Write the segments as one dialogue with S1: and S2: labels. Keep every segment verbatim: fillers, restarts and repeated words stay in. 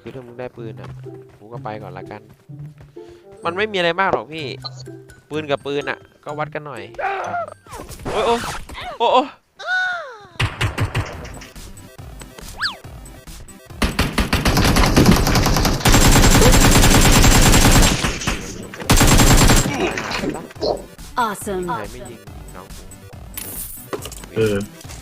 S1: คือถ้ามึงได้ปืนอ่ะกูก็ไปก่อนละกันมันไม่มีอะไรมากหรอกพี่ปืนกับปืนอ่ะก็วัดกันหน่อยโอ้ยโอ้โอ้โอ้
S2: Awesome.
S1: ไหนไม่ยิงน้อง
S3: เออ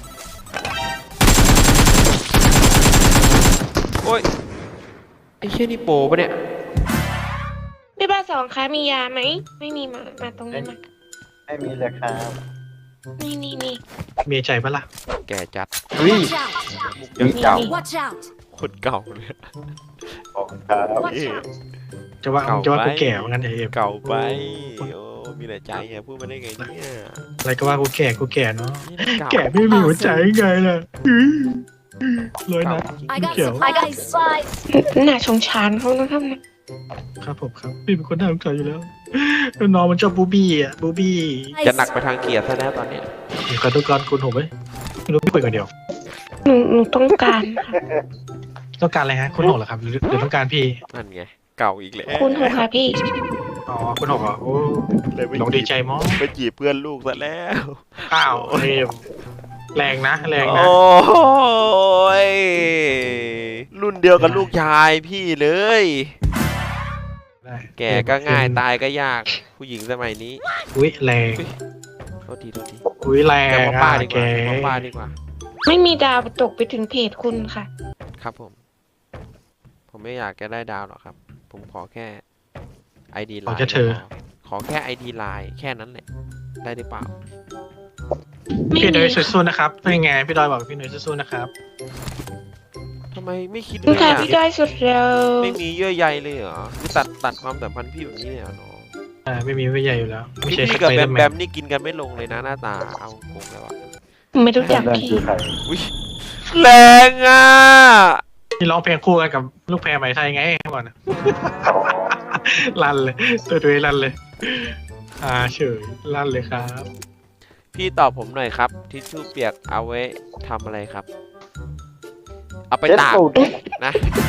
S1: โอ้ยไอ้เชี่ยนี่โปปะเนี่ย
S4: พี่บ้าสองคะมียาไหมไม่มีมามาตรงนี้มา
S5: ไม่มีเลยครับ
S4: นี่นี่นี่
S3: มีใจปะล่ะ
S1: แก่จัด
S5: อุ้ย
S2: Watch out.
S1: มุก
S5: มีเก่า
S2: Watch out.
S1: คนเก่าเลย
S5: ขอบคุณครับ
S2: Watch out.
S3: จะว่า
S1: เก่า
S3: จะว่า
S1: ไป
S3: กูแก่เหมือนกันไอ้เอฟ
S1: เก่าไปโอ้มีแต่ใจไงพูดมาได้ไงเนี่ย
S3: อะไรก็ว่ากูแก่กูแก่เนาะ
S1: นี่เา
S3: แก่ไม่มีหัวใจไงล่ะอื้อเลยนะ
S2: I got
S3: Kill.
S2: supplies.
S4: น่าชงชานเขานะครับเนี่ย
S3: ครับผมครับพี่เป็นคนน่าสงสารอยู่แล้วน้องมันชอบบูบี้อ่ะบูบี้
S1: จะหนักไปทางเกียร์ซะแล้วตอนเนี้ย
S3: เดี๋ยวกระตุกกรคุณผมไหมไม่รู้พี่คุยกันเดียว
S4: หนูหนูต้องการค่ะ
S3: ต้องการอะไรฮะคุณหกเหรอครับหรือหรือต้องการพี่
S1: นั่นไงเก่าอีกแล้ว
S4: คุณหกค่ะพี่
S3: อ๋อคุณหกเหรอโอ้
S1: เลยไป
S3: ลงดีใจมั้ง
S1: ไปจีบเพื่อนลูกซะแล้ว
S3: อ้าวเอมแรงนะแรงนะ
S1: โอ้ยรุ่นเดียวกับลูกชายพี่เลย
S3: ได้
S1: แก่ก็ง่ายตายก็ยากผู้หญิงสมัยนี้
S3: อุ้ยแรง
S1: โทษทีโทษที
S3: อุ้ยแรง
S1: แต่ว่าป้าดีก
S3: แก
S1: ว่าว่าป้าดีกว่า
S4: ไม่มีดาวตกไปถึงเพจคุณค่ะ
S1: ครับผม ผมไม่อยากจะได้ดาวหรอกครับ ผมขอแค่ไอดีไล
S3: ขอ
S1: น์
S3: แค่เธอ
S1: ขอแค่ไอดีไลน์แค่นั้นแหละได้หรือเปล่า
S4: ไม่
S3: พี่
S4: มี
S3: หนุ่ยสู้ๆนะครับเป็นไงพี่ดอยบอกพี่หนุ่ยสู้ๆนะครับ
S1: ทำไมไม่คิดเล
S4: คุณ
S1: ย
S4: ค่ะ
S1: อ่ะ
S4: พี่ได้สุดแล้ว
S1: ไม่มีเยื่อใยเลยเหรอคือตัดตัดความสัมพันธ์พี่แบบนี้เลยเหรอน้อง
S3: อ่าไม่มีไม่ใหญ่อยู่แล้วไม่ใช่
S1: พี่
S3: ส
S1: กับ
S3: ไป
S1: แบ
S3: เดอ
S1: ม
S3: ร์แม
S1: แบ
S3: น
S1: มนี่กินกันไม่ลงเลยนะหน้าตาเอาโกงแล้วอะ
S4: ไม่รู้จัก
S5: เรื่อง
S4: พี่
S5: คือใคร
S1: อุ้ยแรงอ่ะ
S3: ที่ร้องเพลงคู่กันกับลูกแพรไหมไทยไงก่อนนะ ลั่นเลยตัวตัวเองลั่นเลยอ่าเฉยลั่นเลยครับ
S1: พี่ตอบผมหน่อยครับทิชชู่เปียกเอาไว้ทำอะไรครับ เอาไป
S5: เจ็ด
S1: ตาก
S5: สูตร
S1: นะ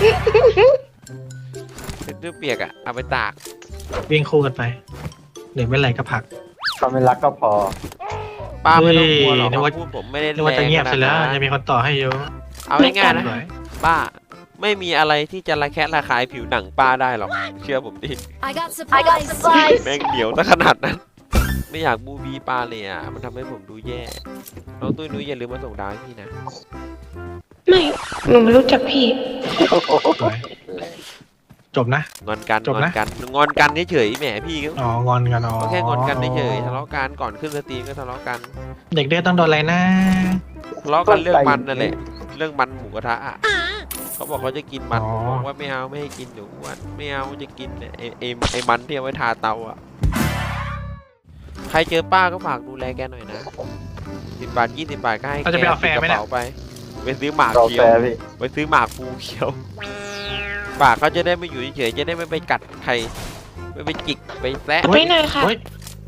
S1: ทิชชู่เปียกอะเอาไปตาก
S3: วิ่งคู่กันไปหนึ่งไม่ไรก็ผลัก
S5: เขาไม่รักก็พอ
S1: ป้าไม่ต้องกลัวหรอก
S3: เฮ้ยนึกว่า
S1: คำพูดผมไม่ได้
S3: นึกว่าจะเงียบเสร็จแล้ว
S1: รงขนาดนั้น
S3: จะมีคนต่อให้เยอะ
S1: เอาง่ายๆนะ
S3: สวย
S1: ป้าไม่มีอะไรที่จะระแคะระคายผิวหนังป้าได้หรอกเชื่อผมดิ
S2: I got supplies.
S1: แม่งเดี๋ยวซะขนาดนั้น ไม่อยากบูบีป้าเลยอ่ะมันทำให้ผมดูแย่น้องตุ้ยนุ้ยอย่าลืมมาส่งดาวให้พี่นะ
S4: ไม่หนูไม่รู้จักพี่
S3: สวยจบนะ
S1: งอนกัน
S3: จบ
S1: งอน
S3: นะ
S1: กันงอนกันเฉยๆแหมพี่ก็
S3: อ๋องอนกันอ๋อ
S1: ก็แค่งอนกันเฉยๆทะเลาะกันก่อนขึ้นสตรีมก็ทะเลาะกัน
S3: เด็กเด็กต้องโดนอะไรนะ
S1: ทะเลาะกันเรื่องมันนั่นแหละเรื่องมันหมูกระทะอะเขาบอกเขาจะกินมัน
S3: อ๋อ
S1: ผมบอกว่าไม่เอาไม่ให้กินเดี๋ยวอ้วนไม่เอาจะกินเนี่ยไอไอไอมันที่เอาไว้ทาเตาอ่ะใครเจอป้าก็ฝากดูแลแกหน่อยนะสิบบาทยี่สิบบาทก็ให้
S3: เราจะไปเอาแฟร์ไหมเนี่ย
S1: ติดกระเป๋าไปไปซื้อหมาก
S5: เรา
S1: เขี
S5: แฟ
S1: ยว
S5: ร์พี่
S1: ไปซื้อหมากภูเขียวปากเขาจะได้ไม่อยู่เฉยๆจะได้ไม่ไปกัดใครไม่ไปจิกไปแซะ
S4: ไปหน่อยค่ะ
S3: เฮ้ย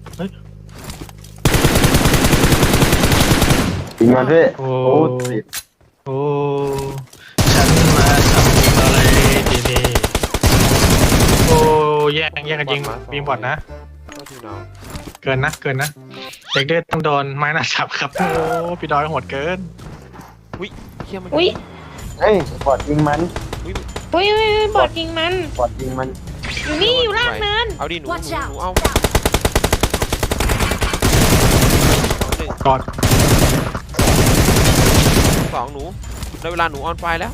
S5: จริงมันพี่
S3: โอ้
S5: โอ้ติด
S3: โอ้ฉันมาทำอะไรดีนี่โอ้แย่งแย่งกันยิงยิงบอดนะ
S1: ก็ทีน้อง
S3: เกินนะเกินนะเด็กเด็กต้องโดนไม้หน้าสับครับโอ้พี่ดอยโหดเกิน
S1: เชี่ยมัน
S4: อุ้ย
S5: เฮ้ยบอดยิงมัน
S4: อุ้ยอุ้ยอุ้ยบอดยิงมัน
S5: บอดยิงมัน
S4: อยู่นี่อยู่ล่างเนิน
S1: เอาดิหนูหนู
S2: Watch
S1: ห
S2: out.
S1: นูเอาสองหนึ่ง
S3: กอด
S1: สองหนูได้เวลาหนูออนไฟแล้ว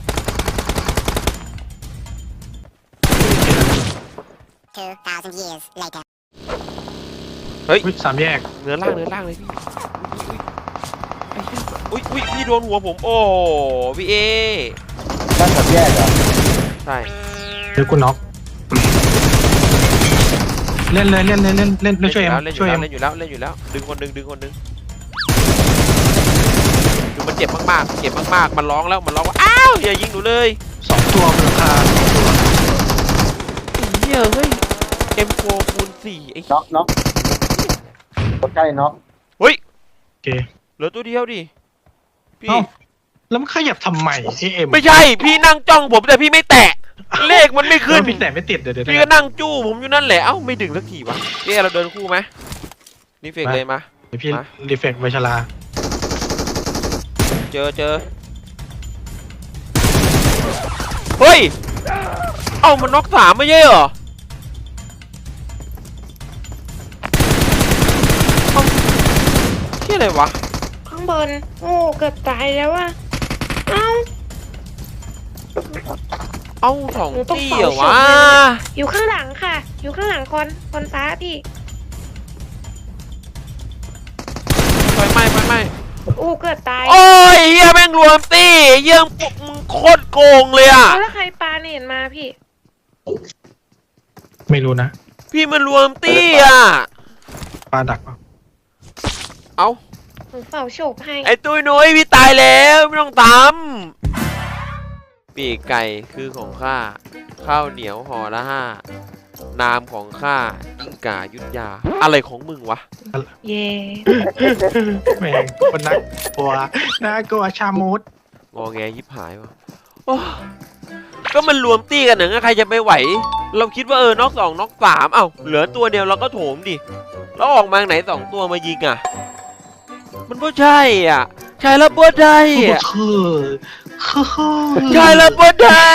S6: Two thousand years later.
S1: เฮ้ย
S3: อุ้ยสามแยก
S1: เนื้อล่างเนื้อล่างเลยพี่ไอ้เหี้ยอุ้ยอุ้ยพี่โดนหัวผมโอ้พี่เอ
S5: ด้านกับแยกเหรอ
S1: ใช่
S3: เดี๋ยวกูน็อกเล่นเลยเล่นเลยเล่นเล่นเล่นช่วยเอ็ม
S1: เล่นอ
S3: ช่วย
S1: ยู่
S3: เอ็
S1: แล้ว
S3: ม
S1: เล่นอยู่แล้วเล่นอยู่แล้วดึงคนดึงดึงคนดึงดูมันเจ็บมากๆเจ็บมากๆมันร้องแล้วมันร้องว่าอ้าวอย่ายิงหนูเลย
S3: สองตัวมูลค่าสองตัว
S1: เหี้ยเฮ้ย เอ็ม โฟร์ คูณสี่ไอ้
S5: น็อกน็อกตัวใกล้น็อก
S3: โอเค
S1: เหลือตัวเดียวดิพี่
S3: เอ้าแล้วมันขยับทำไมไอเอ็ม
S1: ไม่ใช่พี่นั่งจ้องผมแต่พี่ไม่แตะเลขมันไม่ขึ้น
S3: พี่แต่ไม่ติดเดี๋ยวเดี๋ยว
S1: พี่ก็นั่งจู้ผมอยู่นั่นแหละเอ้าไม่ดึงสักทีวะเอ๊ะเราเดินคู่ไหมนี่เฟกเลยมา
S3: เดี๋ยวพี่
S1: มา
S3: รีเฟกไวชลา
S1: เจอเจอเฮ้ยเอ้ามันน็อกสามไม่ใช่เหรอเอ้าที่อะไรวะ
S4: ข้างบน โอ้เกือบตายแล้วอะเอ้า
S1: เอ้าสอง
S4: หนูต้อง
S1: ตี
S4: เป่า
S1: เหรอ
S4: ฉุ
S1: วะ
S4: บเลยนะ อยู่ข้างหลังค่ะ อยู่ข้างหลังคนคนฟ้าพี่
S1: ไฟไหม้ไฟไหม้
S4: โอ้เกือบตาย
S1: โอ้ยเฮียแม่งรวมตีเฮียมึงโคตรโกงเลยอ่ะ
S4: แล้วใครปาเนี่ยเห็นมาพี่
S3: ไม่รู้นะ
S1: พี่มันรวมตีอ่ะ
S3: ปลาดักเปล่า
S1: เอ้า
S4: หนูเป่าโฉบให้
S1: ไอ้ตุ้ยนุ้ยพี่ตายแล้วไม่ต้องทำปีกไก่คือของข้าข้าวเหนียวห่อละห้านามของข้ากิ้งก่ายุทธยาอะไรของมึงวะ
S4: เย่
S3: แม่งคนนักกลัวน่ากลัวชามุด
S1: งอแงยิบหายวะโอ้ก็มันรวมตีกันหนึ่งใครจะไปไหว เราคิดว่าเออน็อกสองน็อกสามเอ้าเหลือตัวเดียวเราก็โถมดิแล้วออกมาไหนสองตัวมายิงอ่ะมันไม่ใช่อ่ะใช่แล้วบ่ได้
S3: คือ
S1: อะ
S3: คือคือ
S1: ใช่แล้วบ่ได้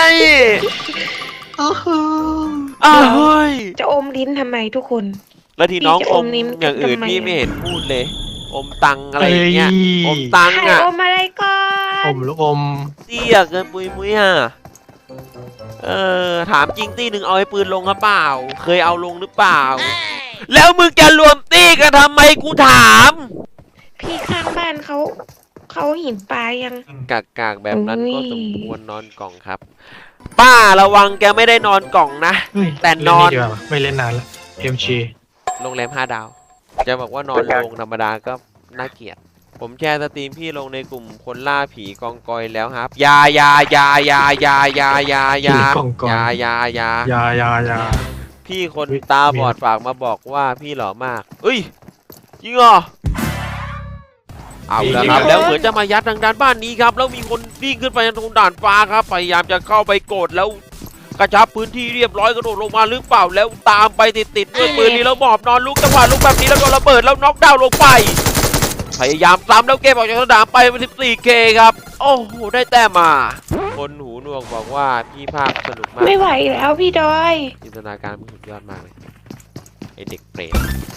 S1: อ้าวเฮ้ย
S4: จะอมลิ้นทำไมทุกคน
S1: แล้วทีน้อง
S4: พี่จะ
S1: อ
S4: อ
S1: ม
S4: มนิ้ม
S1: อย่างอื่น
S4: ทำไม
S1: พี่
S4: อะ
S1: ไม่เห็นพูดเลย อมตังอะไรอย่างเงี้ยอมตัง
S4: ใคร
S1: อ่ะ
S4: อมอะไรก่อ
S3: อน มลูกอม
S1: เตี้ยเกินปุยมุ้ยอ่ะเออถามจริงตีหนึ่งเอาไอ้ปืนลงหรือเปล่า เคยเอาลงหรือเปล่า แล้วมึงจะรวมตีกันทำไมกูถาม
S4: พี่ข้างบ้านเขาเขาหินปลายัง
S1: กากกากๆแบบนั้น
S4: อุ้
S1: ก็
S4: ย
S1: สมควรนอนกล่องครับ ป้าระวังแกไม่ได้นอนกล่องนะ
S3: เฮ้ย
S1: แต่นอน
S3: เล่ดีกว่าไม่เล่นนานละเอ็มชี
S1: โรงแรมห้าดาว จะบอกว่านอนโรงธรรมดาก็น่าเกลียด ผมแชร์สตรีมพี่ลงในกลุ่มคนล่าผีกองกอยแล้วครับอยาอยาอยาอยาอยาอยาอยาอยา
S3: ผีกองกอย
S1: อยาอยาอยา
S3: ยายายา
S1: พี่คน
S3: อุ๊ย
S1: ตาบอดฝากมาบอกว่าพี่หล่อมากเอ้ยจริงเหรอเอาแล้วครับ แล้วเหมือนจะมายัดทางด้านบ้านนี้ครับ แล้วมีคนวิ่งขึ้นไปตรงด่านฟ้าครับพยายามจะเข้าไปกดแล้วกระชับพื้นที่เรียบร้อยกระโดดลงมาหรือเปล่าแล้วตามไปติดๆด้วยปืนนี้แล้วหมอบนอนลุกจังหวะลุกแบบนี้แล้วโดนระเบิดแล้วน็อกดาวน์ลงไป พยายามซ้ำแล้วเก็บออกจากสนามไปเป็น สิบสี่เค ครับ โอ้โหได้แต้มมา คนหูหนวกบอกว่าพี่ภาพสนุกมาก
S4: ไม่ไหวแล้วพี่ดอย
S1: จินตนาการมันสุดยอดมากเลยไอเด็กเปรต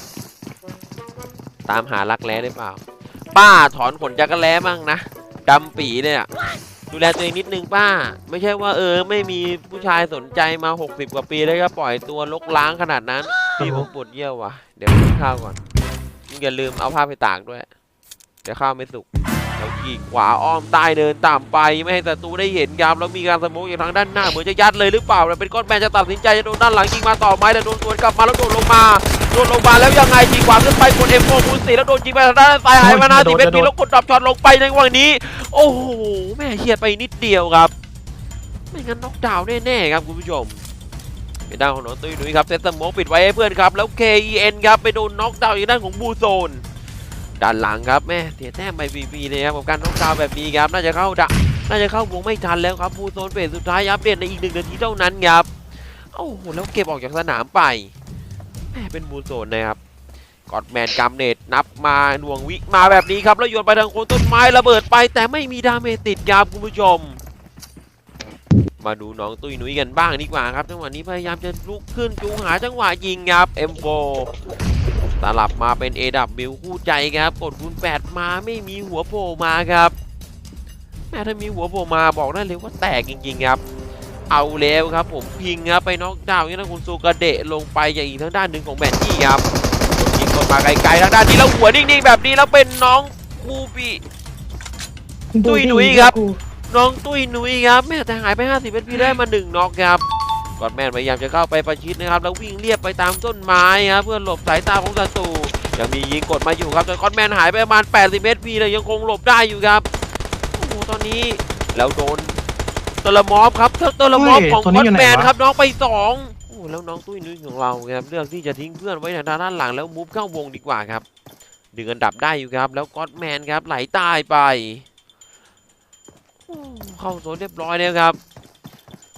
S1: ตามหารักแร้ได้เปล่า ป้าถอนขนจักรแร้มั่งนะดำปีเลยอะดูแลตัวเองนิดนึงป้า ไม่ใช่ว่าเออไม่มีผู้ชายสนใจมาหกสิบกว่าปีแล้วก็ปล่อยตัวลกล้างขนาดนั้นพี่ผมปวดเยี่ยวว่ะเดี๋ยวกินข้าวก่อนมึงอย่าลืมเอาผ้าไปตากด้วยเดี๋ยวข้าวไม่สุกแล้วขี่ขวาอ้อมใต้เดินตามไปไม่ให้ศัตรูได้เห็นครับแล้วมีการสโมกอยู่ทางด้านหน้าเหมือนจะยัดเลยหรือเปล่าแต่เป็นก้อนแมนจะตัดสินใจจะโดนด้านหลังยิงมาต่อไม้แต่โดนสวนกลับมาแล้วโดนลงมาโดนลงมาแล้วยังไงยิงขวาขึ้นไปกดเอ็มโฟคูณสี่แล้วโดนยิงไปทางด้านซ้ายหายมานาสิบเอ็ดปีแล้วกดดับช็อตลงไปในวันนี้โอ้โหแม่เฉียดไปนิดเดียวครับไม่งั้นน็อกดาวน์แน่ๆครับคุณผู้ชมเป็นด้านของน้องตุ้ยนุ้ยครับเซตสโมกปิดไว้ให้เพื่อนครับแล้ว เค อี เอ็น ครับไปโดนน็อกดาวน์อยู่ด้านของบูโซนด้านหลังครับแม่เสียแต้มไปฟรีๆเลยครับกับการน็อกดาวน์แบบนี้ครับน่าจะเข้าดะน่าจะเข้าวงไม่ทันแล้วครับบูโซนเฟสสุดท้ายอัปเดตในอีกหนึ่งนาทีเท่านั้นครับโอ้โหแล้วเก็บออกจากสนามไปแม่เป็นบูโซนนะครับกอดแมนกัมเนตนับมาหน่วงวิมาแบบนี้ครับแล้วโยนไปทางโคนต้นไม้ระเบิดไปแต่ไม่มีดาเมจติดครับคุณผู้ชมมาดูน้องตุ้ยนุ้ยกันบ้างดีกว่าครับจังหวะนี้พยายามจะลุกขึ้นจูงหาจังหวะยิงครับ เอ็ม โฟ สลับมาเป็น เอ ดับเบิลยู คู่ใจครับกดคูณแปดมาไม่มีหัวโผล่มาครับแม้ถ้ามีหัวโผล่มาบอกได้เลยว่าแตกจริงๆครับเอาแล้วครับผมพิงครับไปน็อกดาวน์นี่นะคุณซูกระเดะลงไปอย่างอีกทางด้านหนึ่งของแมนนี่ครับยิงกดมาไกลๆทางด้านนี้แล้วหัวนิ่งๆแบบนี้แล้วเป็นน้องบูบีตุ้ยนุ้ยครับน้องตุ้ยนุ้ยครับแม่แต่หายไปห้าสิบเอพีได้มาหนึ่งน็อกครับกอดแมนพยายามจะเข้าไปประชิดนะครับแล้ววิ่งเรียบไปตามต้นไม้ครับเพื่อหลบสายตาของศัตรูยังมียิงกดมาอยู่ครับแต่กอดแมนหายไปประมาณแปดสิบเอพีเลยยังคงหลบได้อยู่ครับโอ้โหตอนนี้แล้วโดนตละมอฟครับตละมอฟของกอดแมนครับน้องไปสองโอ้แล้วน้องตุ้ยนุ้ยของเราครับเลือกที่จะทิ้งเพื่อนไว้ทางด้านหลังแล้วมูฟเข้าวงดีกว่าครับดึงอันดับได้อยู่ครับแล้วกอดแมนครับไหลตายไปเข้าโซนเรียบร้อยแล้วครับ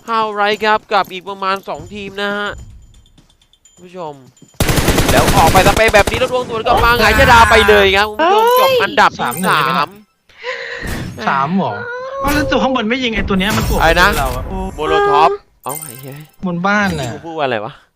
S1: ฮาวไรครับกับอีกประมาณสองทีมนะฮะคุณผู้ชมแล้วออกไปสเปย์แบบนี้แล้วดวงสวนกลับมาหงายชดาไปเลยครับคุณผู้ชมจบอันดับที่
S3: สามหนึ่ง
S1: สา
S3: เลยไหม
S1: ม
S3: สามหรอเอาแล้วตัวข้างบนไม่ยิงไอ้ตัวเนี้ยมันตัว
S1: อะไรนะ
S3: เราอะ
S1: โมโลท็อปเอ้าไอ้เหี้ย
S3: บนบ้าน
S1: นี่
S3: น่ะ
S1: กูพูดว่าอะไรวะ